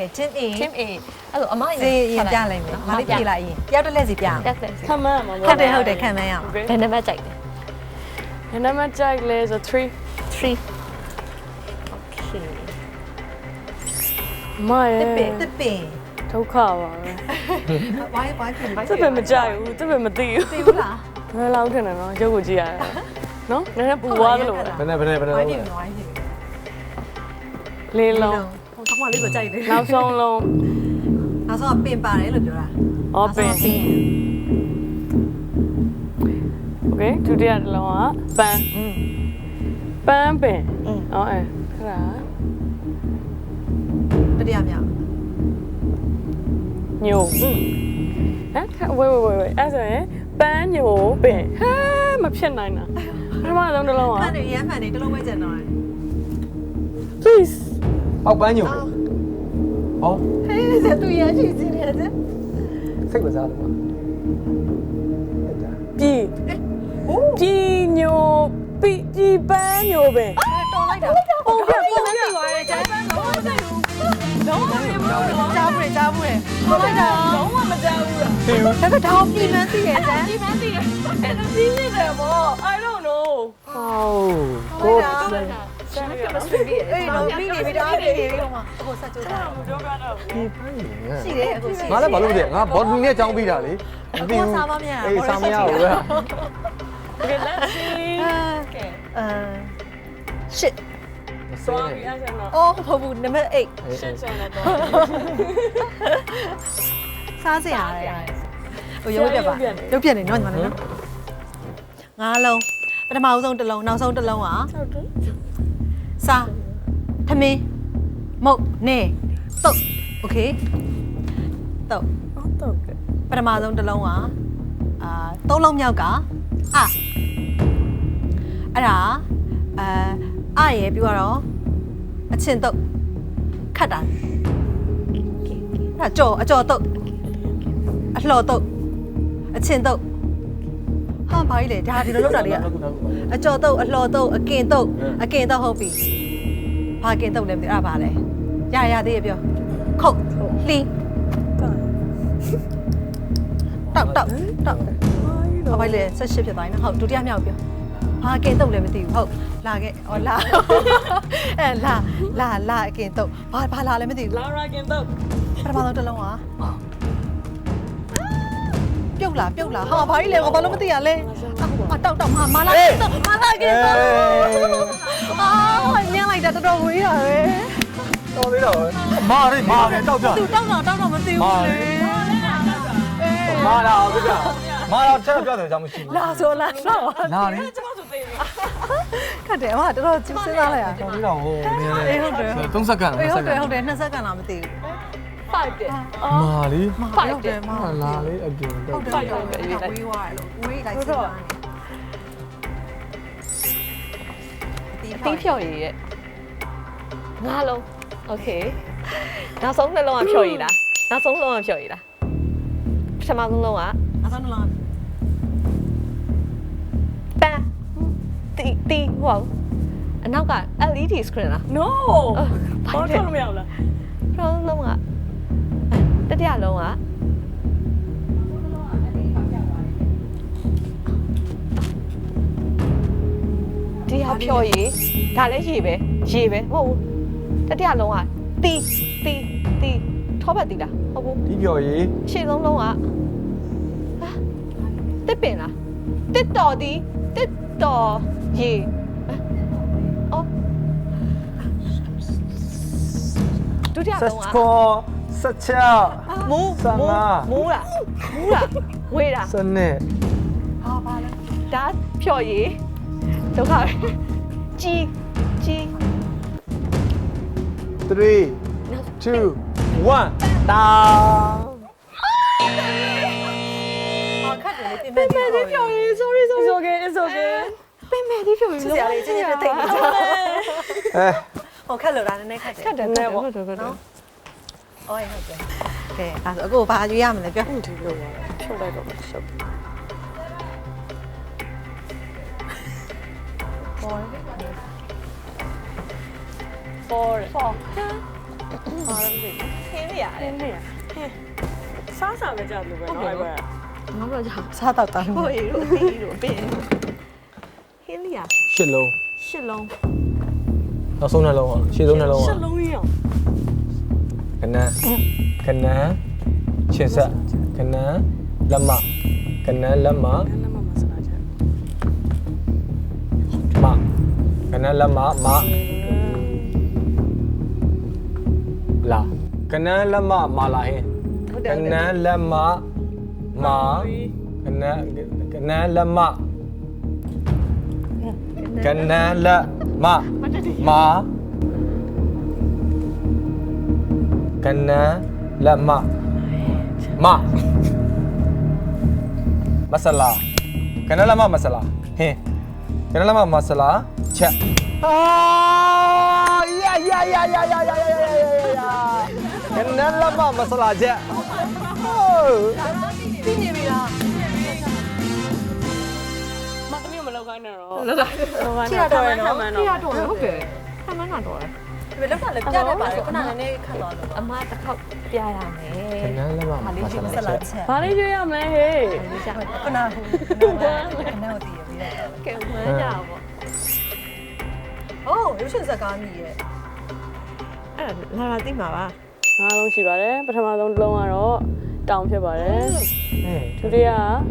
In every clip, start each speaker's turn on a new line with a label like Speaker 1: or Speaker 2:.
Speaker 1: team A
Speaker 2: team A အဲ့လိုအမ
Speaker 1: စီရင်ပြလိုက်မယ်မလေးပြေးလိုက်ရင်တယောက်တစ်လက်စီပြအောင်
Speaker 2: တက်တယ်
Speaker 3: ခမန်းမှာ
Speaker 1: ဟုတ်တယ်ခံမန်းရအောင်
Speaker 2: ဘယ်နံပါတ်ကြိုက်လဲ
Speaker 3: ဘယ်နံပါတ်ကြိုက်လဲဆို3
Speaker 2: 3 okay
Speaker 3: မရဲ့
Speaker 1: တစ်ပင်
Speaker 3: ဒုက္ခပါပဲ
Speaker 1: ဝိုင်းပြင်
Speaker 3: တစ်ပင်မကြိုက်ဘူးတစ်ပင်မသိဘူး
Speaker 1: သိဘူးလား
Speaker 3: ဘယ်လောက်ထင်တယ်နော်ရုပ်ကိုကြည့်ရတယ်နော်နည်းနည်းပူသွားသလို
Speaker 1: ဝိုင်းပြင်ဝိုင်းပြင်
Speaker 3: လေးလုံး
Speaker 1: ဟိုတော့မလေးကိုကြိုက်တယ်
Speaker 3: နောက်ဆုံးလုံး
Speaker 1: နောက်ဆုံးပင်ပါတယ်လို့ပြောတာ
Speaker 3: ဩပင် Okay ဒုတိယတစ်လုံးကပန်းပန်းပင်ဩအဲခရာ
Speaker 1: တတိယမြောက်
Speaker 3: ညိုဟမ်ဝေးအဲ့ဆိုရင်ပန်းညိုပင်ဟဲမဖြစ်နိုင်တာပထမဆုံးတစ်လုံးက
Speaker 1: အဲ့ဒါရမ်းမှန်နေတစ်လုံးပဲကျန်တော့
Speaker 3: please
Speaker 4: ပေါက်ပန်းညိုဟော
Speaker 1: ဟဲ့သူရရှိစီနေတယ်
Speaker 4: စိတ်ကစားတယ်မှာ
Speaker 3: ပြည်ညိုပြည်ပန်းညိုပင်
Speaker 1: တော်လိုက်တာပုံပြသိသွားတယ်ကျန်လုံးဝကြားဘူးကြားဘူးဟုတ်လိုက်တာလုံးဝမကြားဘူးလားဒါပေမဲ့ဒါကိုပြင်မှန်းသိရဲ့ကျန်
Speaker 3: ပြည်ပန်းတည်တယ်အဲ့ဒါပြည်နေတယ်ဗော I don't know
Speaker 4: ဟောကို
Speaker 3: ဆန်ကမစပြီး
Speaker 1: အေးတော့ပြီးနေပြီဒါပြီးနေပြီဟိုမှာအခုဆက်ကြိုးတာ
Speaker 3: ပြောပြတော့
Speaker 4: ဒီပန်းညို
Speaker 1: ရှိတယ်အခုရှိ
Speaker 4: ငါလည်းဘာလို့မသိငါဘော်ဒီနဲ့ကြောင်းပြီးတာလေ
Speaker 1: အခုစားမမြင်
Speaker 4: အေးစားမရဘူးဗျာ
Speaker 3: Okay let's see
Speaker 1: ရှစ်
Speaker 3: sorry အဲ့ဒါတော့
Speaker 1: အော်ဟုတ်ဘူးနံပါတ်8
Speaker 3: ရှင်းရှင်းနဲ့တော့
Speaker 1: စားစရာရတယ်ဟိုရုပ်ပြပါရုပ်ပြနေနော်ညီမလေးနော်ငါးလုံးပထမဆုံးတစ်လုံးနောက်ဆုံးတစ်လုံးอ่ะ
Speaker 3: ဟုတ်တယ်
Speaker 1: စားထမင်းမုတ်နေတုတ်โอเคတုတ်
Speaker 3: တော့ကဲ
Speaker 1: ပထမဆုံးတစ်လုံးอ่ะသုံးလုံးမြောက်ကအဲ့ဒါရေပြီးတော့အချင်းတုတ်ခတ်တာအဲ့ကြော်အကြော်တုတ်အလှော်တုတ်အချင်းတုတ်ဟာဘာကြီးလဲဒါဒီလိုလုပ်တာလေးကအကြော်တုတ်အလှော်တုတ်အကင်တုတ်ဟုတ်ပြီဘာကင်တုတ်လဲမသိအဲ့ဒါဘာလဲရသေးရပြောခုတ်လှီးတောက်ဘာကြီးလဲ18ဖြစ်သွားပြီနော်ဟုတ်ဒုတိယမြောက်ပြောဘာကင်တုတ်လဲမသိဘူးဟုတ်လာခဲ့ဟောလာအဲလာအကင်တုတ်ဘာလာလဲမသိဘူး
Speaker 3: လာရာကင်တော့
Speaker 1: ပထမဆုံးတစ်လုံးပြုတ်လာဟာဘာကြီးလဲဘာလို့မသိရလဲတောက်မလာကင်တုတ်ညံလိုက်တာတော်တော်ဝေးတာပဲ
Speaker 4: တော်သေးတော့မာတယ်တောက်ကြ
Speaker 1: သူတောက်တော့မသိဘူးလေ
Speaker 4: မာလာအောင်ကြမာလာချက်ပြတယ်ကြောင့်မရှိဘူး
Speaker 1: လာဆိုလာ
Speaker 4: လာလေ
Speaker 3: ကျွန်တော်ဆိုသေးတယ်
Speaker 1: ခတ်တယ်အမတော်တော်စဉ်းစားလိုက်ရ
Speaker 4: တော်သေးတော့ဟိုနည်းနည်း
Speaker 1: ဟုတ်တယ်
Speaker 4: 3စက္ကန့်
Speaker 1: ဟုတ်တယ်2စက္ကန့်လာမသိဘူး
Speaker 3: 5တယ်
Speaker 4: မာလီ
Speaker 1: ဟုတ်တယ်မ
Speaker 4: လာလေအပြင်တော့
Speaker 1: ဟုတ်တယ်ဝေးသွားတယ်လို့ဝေးလိုက်စီသွားတယ်
Speaker 2: အသီးဖြော်ရည်ရဲ့ငါးလုံး okay နောက်ဆုံးနှလုံးကဖြော်ရည်လားနောက်ဆုံးလုံးကဖြော်ရည်လားပထမဆုံးလုံးက
Speaker 1: အဆုံးလုံး
Speaker 2: ပန်းတီဟုတ်အနောက်က LED screen လား
Speaker 3: no ဘာလို့မရဘူးလား
Speaker 2: ပထမဆုံးလုံးကတတိယလုံးကဒီဟာဖြော်ရည်ဒါလည်းရေပဲဟုတ်ဘူးတတိယလုံးကတီထောပတ်တီလားဟုတ်ဘူး
Speaker 4: ဒီပြော်ရေး
Speaker 2: ရှေ့ဆုံးလုံးကတစ်ပင်လားတစ်တော်ရေအော်ဒုတိယ
Speaker 4: ဆက်
Speaker 2: လုံးက
Speaker 4: ကောဆက်ချ
Speaker 2: မူးလားဝေးလား
Speaker 4: စနစ်
Speaker 1: ဟာပါလဲ
Speaker 2: ဒါဖြော်ရည်ဒုက္ခပဲကြီး
Speaker 4: 3 2 1တာ
Speaker 1: ခတ်တယ်လေပြင်မဲ့ဒီဖြော်ရည်
Speaker 2: sorry
Speaker 3: it's okay
Speaker 2: ပင်မဲ့ဒီဖြော်ရည်
Speaker 1: စရာလေးချင်းချင်းတိတ်နေကြ
Speaker 4: အဲ
Speaker 1: ဟိုခက်လို့တာနည်းနည်းခက်တယ်
Speaker 2: ခက်တယ်ပေါ့ဟုတ်တယ်
Speaker 1: အော်ဟုတ်တယ်ကဲအဲ့ဒါအခုဘာရွေးရမလဲပြော
Speaker 3: ဒီလိုပါဖြုတ်လိုက်တော့ရှုပ်
Speaker 1: 4
Speaker 3: 4 ဘာလဲမသိ
Speaker 2: ခင်းနေရတယ်
Speaker 3: ဘူးဟင်းစားစားပဲကြောက်လို့ပဲနော်အဲ့ဘက်
Speaker 2: ငါတို့ကြောင့်
Speaker 1: စားတော့တာ
Speaker 2: ဟိုရီတို့အပီတို့အပင်ခင်းနေရ
Speaker 4: ရှစ်လုံး
Speaker 2: ရှစ်လုံး
Speaker 4: နောက်ဆုံးနှလုံးอ่ะရှစ်ဆုံးနှလုံး
Speaker 3: ရှ
Speaker 4: อ่ะ
Speaker 3: စ်လုံးရော
Speaker 4: ကနန်းချစ်ဆက်ကနန်းလက်မကနန်းလက်မ
Speaker 3: နည်းနည်းမဆလာချက်
Speaker 4: မကနန်းလက်မမလာကနန်းလက်မမလာဟင်းကနန်းလက်မမကနန်းလက်မကနန်းလက်မမကနန်းလက်မမမဆလာကနန်းလက်မမဆလာဟင်းကနန်းလက်မမဆလာချက်အာယာယာယာယာယာယာယာယာကနန်းလက်မမဆလာချက်ဟို
Speaker 1: ပြီးနေပြီလား
Speaker 3: မတမီးမလောက်ခိုင်းနဲ့တော့
Speaker 2: လောက်က
Speaker 3: လောက်ခိုင်းတော့ရနော်မှန်တော့
Speaker 2: တော်တယ်ဟုတ်တယ်ခမန်းကတော့တယ်
Speaker 1: ဒီလောက်ကလည်းပြတ်နေပါလေခုနကလည်းခတ်သွားလို့
Speaker 2: အမတစ်ခေါက်ပြရမယ်
Speaker 4: ကနန်းလက်မမဆ
Speaker 1: ဆက်
Speaker 4: လာ
Speaker 1: လာ
Speaker 4: ချက်
Speaker 1: ချက်
Speaker 3: ဘာလေးရွေးရမလဲဟေး
Speaker 1: ခုနကခုနကတည်းကပြီးတော့
Speaker 2: ကဲမန်းကြပါ
Speaker 1: အိုးရုပ်ရှင်ဇာတ်ကားမိရဲ့
Speaker 2: အဲ့ဒါလာသိမှာပါ
Speaker 3: ငါးလုံးရှိပါတယ်ပထမဆုံးတစ်လုံးကတော့တောင်ဖြစ်ပါတယ်
Speaker 4: ဟင်း
Speaker 3: ဒုတိယ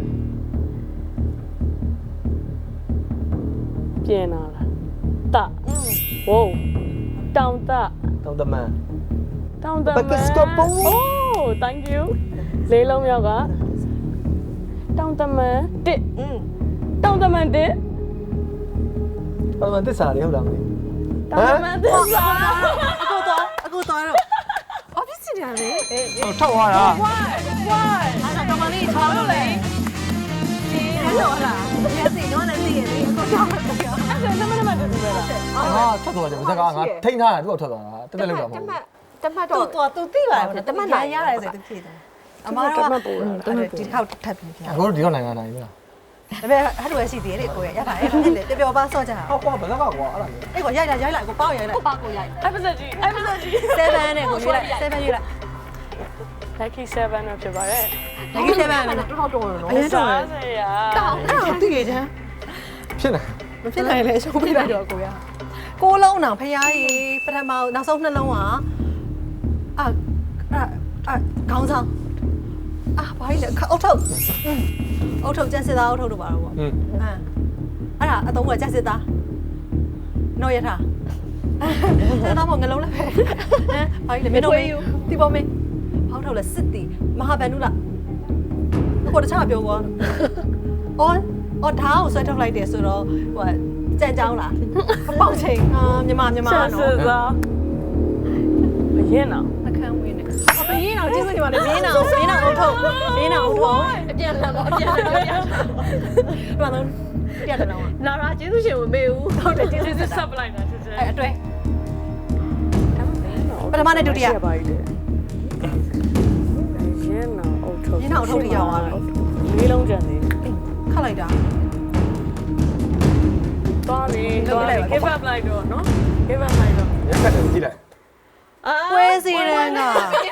Speaker 3: ပြင်လာတာဝိုးတောင်တာ
Speaker 4: တောင်းတမန်
Speaker 3: တောင်တမန်
Speaker 4: Pakistan
Speaker 3: Oh thank you လေးလုံးမြောက်ကတောင်တမန်တစ်တောင်တမန်တစ်
Speaker 4: တောင်းတမန်သစ္စာလေးဟုတ်လားမသိ
Speaker 3: တောင်တမန်တစ်စာ
Speaker 1: အကူသွားတော့
Speaker 2: ဘာဖြစ်စီတယ်လဲ
Speaker 4: ဟုတ်ထောက်သွားတာ
Speaker 3: why
Speaker 1: အဲ့ဒါတော့မလေးချောင်းလို့လေဒီတော့လားမျက်စိတော့လည်းသိရဲ့လေအကူချောင်းလို့ပြော
Speaker 3: အဲ့ဒါနမနမတူပဲလား
Speaker 4: ငါထွက်သွားတယ်ဗျာကငါထိန်းထားတာသူ့ထွက်သွားတာတက်တက်လောက်တာမဟုတ်ဘူး
Speaker 2: တမတ်တော့
Speaker 1: သူသိပါရဲ့တမန်နိုင်ရတယ်ဆိုသူဖြေတယ်အမားတော့ဒီတစ်ခေါက်ထပ်ပြီးပြ
Speaker 4: အခုဒီတော့နိုင်ငံနိုင်ပြီလား
Speaker 1: ဒါပေမဲ့အဲ့လိုပဲရှိသေးတယ်လေကိုရရပါတယ်အဲ့လေပျော်ပါဆော့ကြတာ
Speaker 4: ဟောကွာဘယ်တော့ကွာအဲ့ဒါမျိုး
Speaker 1: အဲ့ကိုရိုက်လိုက်ကိုပေါက်ရိုက်လိုက်
Speaker 2: ပါကိုရိုက်
Speaker 3: episode ကြီး
Speaker 1: 7နဲ့ကိုရွေးလိုက်7ရွေးလိုက်
Speaker 3: lucky 7နဲ့ဖြစ်ပါတယ်
Speaker 1: ဒီ7နဲ့
Speaker 2: တော်တော်နော်
Speaker 1: အရင်တော့
Speaker 3: စားစရာ
Speaker 1: တောင်းအဲ့ဒါသိကြချမ်း
Speaker 4: ဖြစ်နေ
Speaker 1: မဖြစ်နိုင်လေရှုံးပြလိုက်တော့ကိုရကိုလုံးအောင်ဖျားကြီးပထမနောက်ဆုံးနှလုံးอ่ะခေါင်းဆောင်ဘာကြီးလဲအုတ်ထုတ်အုတ်ထုတ်ကျက်စစ်သားအုတ်ထုတ်တို့ပါတော့ပေါ့အဲ့ဒါအတုံးကကျက်စစ်သားနော်ရထားကျက်သားပေါ့ငလုံးလည်းပဲဘာကြီးလဲမင်းတို့မင်းဒီပေါ်မင်းဟောက်ထုတ်လဲစစ်တီမဟာဗန်နုလားကိုတခြားပြောပေါ့အော်ဓာတ်ကိုဆွဲထုတ်လိုက်တယ်ဆိုတော့ဟိုကြံကြောင်းလားပေါက်ချိန်မြန်မာ
Speaker 3: စား
Speaker 1: နော်
Speaker 3: စားအရင်တော့
Speaker 1: အခန်းဝင်နေဘင်းအောင်ကျေးဇူးတင်ပါတယ်ဘင်းအောင်အုတ်ထုတ်ဘင်းအောင်အုတ်ထုတ်
Speaker 2: အပြန်လာပါအပြန်လာပြန်
Speaker 1: ဒီမှာတော့ပြတ်တယ်တော့
Speaker 2: လာရာကျေးဇူးရှင်မမေဘူးဟုတ်တယ်ကျေးဇူး
Speaker 3: စစ်ဆက်ပလိုက်တာစစ်ဆက်
Speaker 1: အဲ့အတွဲပထမနဲ့ဒုတိယ
Speaker 3: ပါရည်ရင်တော့အုတ်ထုတ်
Speaker 1: ရင်းအောင်အုတ်ထုတ်တွေရောက်သွားပြီ
Speaker 3: လေးလုံးကျန်သေး
Speaker 1: ခတ်လိုက်တာ
Speaker 3: သွားပြီ give up လိုက်တော့နော် give up လိုက်တော့
Speaker 4: ရက်ခတ်တယ်ကြည့်လိုက်
Speaker 1: ပွဲစီရန်က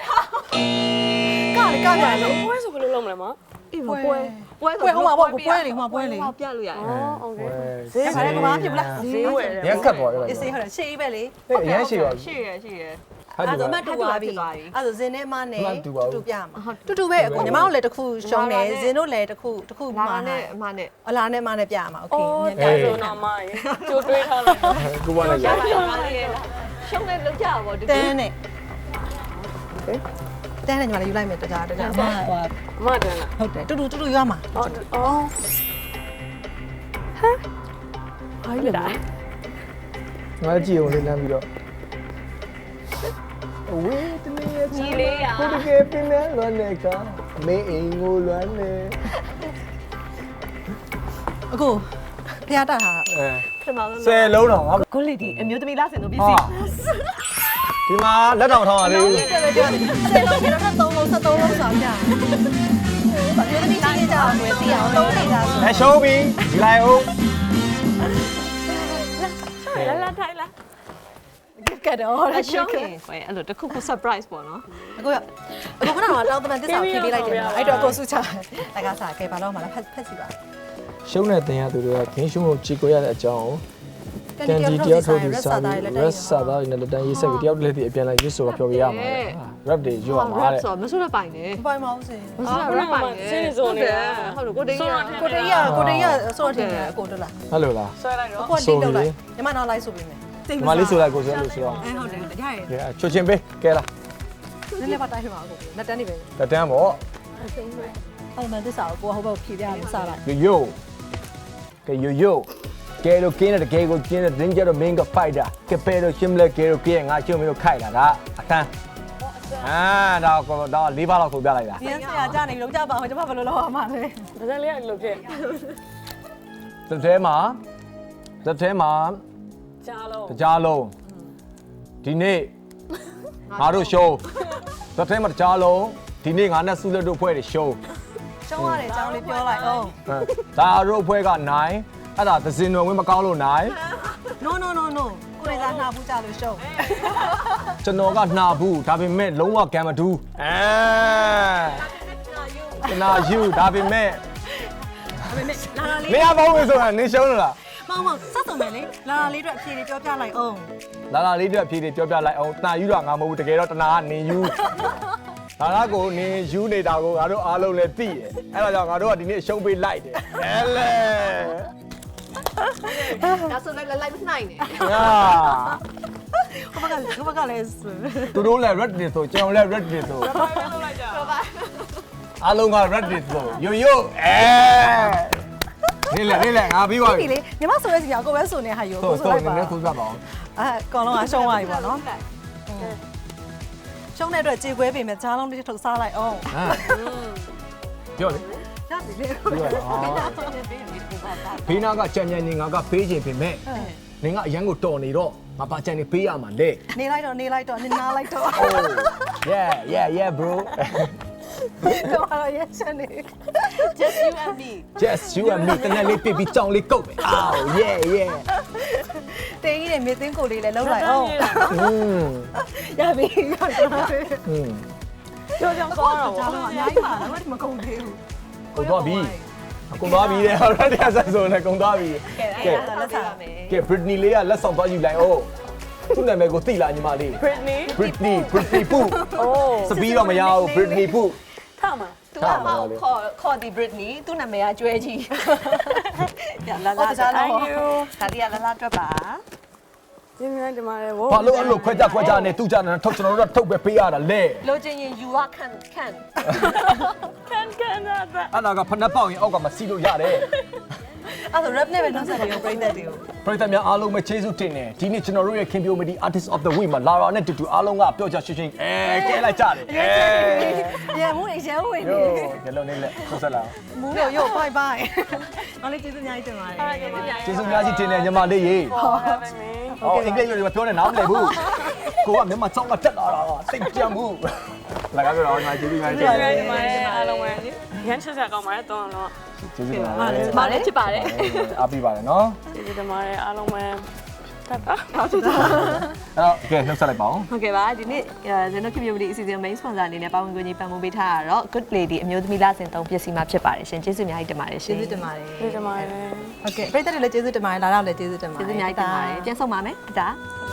Speaker 1: ကပြန်လေ
Speaker 3: ပွဲဆိုဘယ်လိုလုပ်မလဲမ
Speaker 2: အေး
Speaker 1: ပွဲ
Speaker 2: ပွဲ
Speaker 1: ပွဲဟိုမှာပေါ့ပွဲလေဟိုမှာပွဲလေ
Speaker 2: ဟောပြလို့ရတယ်
Speaker 3: အော်โอเค
Speaker 1: ဈေးပါတယ်ကဘာဖြစ်ဘူးလား
Speaker 3: ဈေးဝယ်တယ်
Speaker 4: ရက်ခတ်ပေါ်တယ်
Speaker 1: အေးစေးဟုတ်တယ်ရှေ့ပဲလေ
Speaker 4: ဟဲ့အရင်ရှိပါ
Speaker 2: ရှိရရှိရ
Speaker 4: ဟာဒီ
Speaker 1: အဲ့ဒါမှတူသွားပြီအဲ့ဒါဇင်းနဲ့မနဲ့တူပြမှာတူပဲအခုညီမတို့လည်းတစ်ခုရှုံးတယ်ဇင်းတို့လည်းတစ်ခု
Speaker 2: လာ
Speaker 1: မှာ
Speaker 2: နဲ့အမနဲ့
Speaker 1: အလားနဲ့မနဲ့ပြမှာโอเค
Speaker 3: ဒါဆိုတော့မရေကြိုတွေးထားလိုက်
Speaker 4: ကိုပါလိုက်
Speaker 2: ရပါရဲ့ရှုံးနေလောက်ကြပါဒီ
Speaker 1: တန်းနဲ့တန်းနဲ့ညီမလေးယူလိုက်မယ်တကြားအမဟို
Speaker 3: မတန်းလား
Speaker 1: ဟုတ်တယ်တူတူရွာမှာ
Speaker 3: အော်ဟာလေဒါ
Speaker 4: ငါကြည့်အောင်လေးလမ်းပြီးတော့ဝေးတနေရ
Speaker 2: ညီလေးရ
Speaker 4: ကိုတကယ်ပြင်းနေလွမ်းနေကမေးအိမ်ကိုလွမ်းနေ
Speaker 1: အခုဖျားတာဟာ
Speaker 4: အဲ
Speaker 2: ပထမဆုံး
Speaker 4: 10လုံးတော့ငါ
Speaker 2: ကိုလီဒီအမျိုးသမီးလားစင်တို့ပစ္စည်း
Speaker 4: ဒီမှာလက်တောင်ထောင်းရလေး
Speaker 1: တယ်ပဲပြောတယ်10လုံးကတော့3လုံး73လုံးဆောင်ကြဘာပြောသမီးချင်းကြအောင်တွေ့သိအောင်လုံးနေတာဆို
Speaker 4: အဲရှုံးပြီဒီလိုက်အောင်
Speaker 2: လာလာထိုင်လာ
Speaker 1: ကတ်တော့
Speaker 2: အရှုံးရင်ခွဲအဲ့လိုတစ်ခုခု surprise ပေါ့နော်
Speaker 1: အခုခဏတော့တောင်းတမန်တစ္ဆာဖြေပေးလိုက်တယ်အဲ့တော့ကိုစုချတကစားကဲဘာလို့မှလားဖက်စီပါ
Speaker 4: ရှုံးတဲ့တင်ရသူတွေကခင်းရှုံးကိုကြည်ကိုရတဲ့အကြောင်းကန်ဒီတယောက်ထုတ်ပြီးစားပြီး rest စားသားနဲ့လက်တန်းရေးဆက်ပြီးတယောက်လည်းဒီအပြန်လိုက်ရွတ်ဆိုပြောပြရမှာ rap တွေရွတ်မှာတဲ့
Speaker 2: ဆိုမဆိုးရပိုင်နဲ့
Speaker 1: ပိုင်မအောင်စင်
Speaker 2: မဆိုးရပိုင်နဲ့ဟုတ်လို့ကိုတေးရ
Speaker 1: ကိုတေးရဆိုတော့တင်တယ်အကိုတို့လား
Speaker 4: ဟုတ်လို့လား
Speaker 3: ဆွဲလိုက်တော့
Speaker 1: အကိုလိမ့်လောက်လိုက်ညီမနောက်လိုက်ဆိုပေးမယ်
Speaker 4: ဒီမလေးဆိုလိုက်ကိုဆိုလို့ဆိုတော့
Speaker 1: အဲဟုတ်တယ်ရရ
Speaker 4: ကဲချွတ်ချင်းပေးကဲလား
Speaker 1: နည်းနည်းပါတိုင်းမှာအကိုလက်တန်းနေပဲ
Speaker 4: လက်တန်းပေါ့
Speaker 1: အဲ့မန်တစ္ဆာကိုဟိုဘက်ဖြေပြရမယ်စလိုက်
Speaker 4: ယိုကဲယိုကဲလို့ကင်းတဲ့ကဲကိုကျင်းတဲ့ဒင်းကြတော့မင်းကဖိုက်တာကဲပဲလို့ရှင်းမလဲကဲလို့ကဲငါရှင်းမလို့ခိုက်တာဒါအတန်းတော့၄ပါးလောက်ဆိုပြလိုက်တာ
Speaker 1: ဒီဆရာကြားနေလို့ကြားပါအောင်ကျွန်မဘယ်လိုလုပ်ရမှာလဲ
Speaker 3: ဒါစက်လေးကလိုဖြစ်
Speaker 4: တစ်ထဲမှာ
Speaker 3: ကြားလုံး
Speaker 4: တကြားလုံးဒီနေ့ငါတို့ show တစ်ထဲမှာတကြားလုံးဒီနေ့ငါနဲ့စုလက်တို့ဖွဲ့တယ် show
Speaker 1: ကျောင်းရတယ်ကျောင်းလေးပြောလိုက်အောင်
Speaker 4: ဒါတို့ဖွဲ့က9အဲ့ဒါသစင်တော်ဝင်မကောင်းလို့9
Speaker 1: no ကိုရီးယားနှာဘူးကြလို့ရှုံး
Speaker 4: ကျွန်တော်ကနှာဘူးဒါပေမဲ့လုံးဝကံမတူးနာယူဒါပေမဲ့
Speaker 1: လာလာလေး
Speaker 4: နေရာပေါင်းဝင်ဆိုတာနင်းရှုံးလို့လား
Speaker 1: မောင်ဆက်စုံမယ်လေလာလာလေးအတွက်အဖြေလေးပြောပြလိုက်အောင်
Speaker 4: လာလာလေးတို့အဖြေတွေပြောပြလိုက်အောင်တန်ယူတော့ငါမဟုတ်ဘူးတကယ်တော့တနာကနေယူဒါကကိုနေယူနေတာကိုငါတို့အားလုံးလည်းသိတယ်အဲ့ဒါကြောင့်ငါတို့ကဒီနေ့ရှုံးပေးလိုက်တယ်အဲလေ
Speaker 2: ဒါဆိုလည်းလိုက်မနိုင်နဲ့
Speaker 4: ဟာ
Speaker 1: ဟိုဘက်ကလည်း
Speaker 4: သူတို့လည်း red တွေဆိုကျွန်တော်လည်း red တွေဆိုအားလုံးက red တွေဆိုယိုယိုနေလေငါပြီးပါပြီ
Speaker 1: ပြီလေညီမဆိုရဲစီကကိုပဲဆိုနေဟာယူကိုဆိုလိုက်ပါ
Speaker 4: နည်းဆိုပြပါအောင်
Speaker 1: အဲကောင်လုံးကရှုံးသွားပြီပေါ့နော်ရှုံးတဲ့အတွက်ကြေခွဲပေမဲ့ကြားလုံးတစ်ထုတ်စားလိုက်အောင်
Speaker 4: ပြောလေ
Speaker 1: ရတယ်လေ
Speaker 4: ဘေးနာကကြံကြံနေငါကပေးခြင်းပြင်မဲ့နင်ကအရန်ကိုတော်နေတော့ငါပါကြံနေပေးရမှာလေ
Speaker 1: နေလိုက်တော့နင်နာလိုက်တော့
Speaker 4: yeah bro
Speaker 1: တော့ရရချင်နေ
Speaker 2: just you and me
Speaker 4: just you and me တနေ့လေးပြပြီးကြောင်လေးကုတ်မယ်အော် yeah
Speaker 1: တင်းကြီးနဲ့မြေသိန်းကိုလေးလည်းလုံးလိုက်အောင် ရပြီ
Speaker 3: ကြောက်ကြောက်သွားတော့
Speaker 1: ကြားလုံးအများကြီးပါလားဘာမှမကုန်သေးဘူး
Speaker 4: ကုန်သွားပြီတဲ့ဟုတ်တယ်တရားဆက်ဆိုနေကုန်သွားပြီ
Speaker 2: ကဲလက်စားမယ်
Speaker 4: ကဲ Britney လေးကလက်ဆောင်သွားယူလိုက်အောင်သူ့နာမည်ကိုသိလားညီမလေး
Speaker 3: Britney
Speaker 4: Britney Poo
Speaker 3: အိုး
Speaker 4: စပီးတော့မရဘူး Britney Poo
Speaker 3: ထားမှာ
Speaker 2: သူကမောက်ခေါ်ဒီ Britney သူ့နာမည်ကကျွဲကြီးရလာလာ
Speaker 3: Thank you
Speaker 2: ဒါတီးရလာလာတွက်ပါ
Speaker 3: ဒီမြိုင်းဒီမှာလေဝ
Speaker 4: ဘာလို့အဲ့လိုခွဲကြနေသူ့ကြနေထုတ်ကျွန်တော်တို့ကထုတ်ပဲပေးရတာလေ
Speaker 2: လိုချင်ရင် you are can
Speaker 3: ကန်နာတာ
Speaker 4: အဲ့ဒါကဖနက်ပေါက်ရင်အောက်ကမစီလို့ရတယ်
Speaker 1: အဲ့ဒါ rap နဲ့ပဲနောက်ဆက်ပြီးပြိတ္တတွေကို
Speaker 4: ပရိသတ်များအားလုံးပဲကျေးဇူးတင်တယ်ဒီနေ့ကျွန်တော်တို့ရဲ့ခင်ဗျိုမဒီ Artist of the Week မှာလာရာနဲ့တူတူအားလုံးကပြောကြရှင်းရှင်းကဲလိုက်ကြတယ်
Speaker 1: ရမှုရရဝင်နေ
Speaker 4: ကဲလုံးနေလက်ဆက်ဆက်လာ
Speaker 1: မူးရော bye bye နောက်လေးကျေးဇူးအများကြီးတင်ပါတယ်
Speaker 4: ကျေးဇူးများကြီးတင်တယ်ညီမလေးရေဟောအင်္ဂလိပ်လိုပြောနေနားမလည်ဘူးကိုကမြန်မာစောင်းကတက်လာတာစိတ်ကြံမှုလာကြတော့ညီမကျေးဇူးများတင်တယ်
Speaker 3: ဒီမှာအားလုံးပဲရမ်းချက်ဆက်ကောင်းပါတယ်တော့တော့
Speaker 4: ကျေးဇူးတင်ပါတယ်
Speaker 2: မာလည်းဖြစ်ပါတယ်
Speaker 4: အားပေးပါတယ်နော်
Speaker 3: ဒီဒီမှာအားလုံးပဲတက်တာ
Speaker 4: အဲ့တော့ကဲနှုတ်ဆက်လိုက်ပါဦး
Speaker 2: ဟုတ်ကဲ့ပါဒီနေ့ဇနို community အစီအစဉ် main sponsor အနေနဲ့ပါဝင်ကူညီပံ့ပိုးပေးထားတာတော့ good lady အမျိုးသမီးလစဉ်သုံးပစ္စည်းမှာဖြစ်ပါတယ်ရှင်ကျေးဇူးအများကြီးတင်ပါတယ်ရှင်
Speaker 1: ကျေးဇူးတင်ပါတယ်
Speaker 3: ဒီမှာလေ
Speaker 1: ဟုတ်ကဲ့ပြိတ္တတွေလည်းကျေးဇူးတင်ပါတယ်လာတော့လည်းကျေးဇူးတင်ပါတယ်
Speaker 2: ကျေးဇူးအများကြီးတင်ပါတယ်ပြန်ဆုံးပါမယ်ဒါ
Speaker 1: โ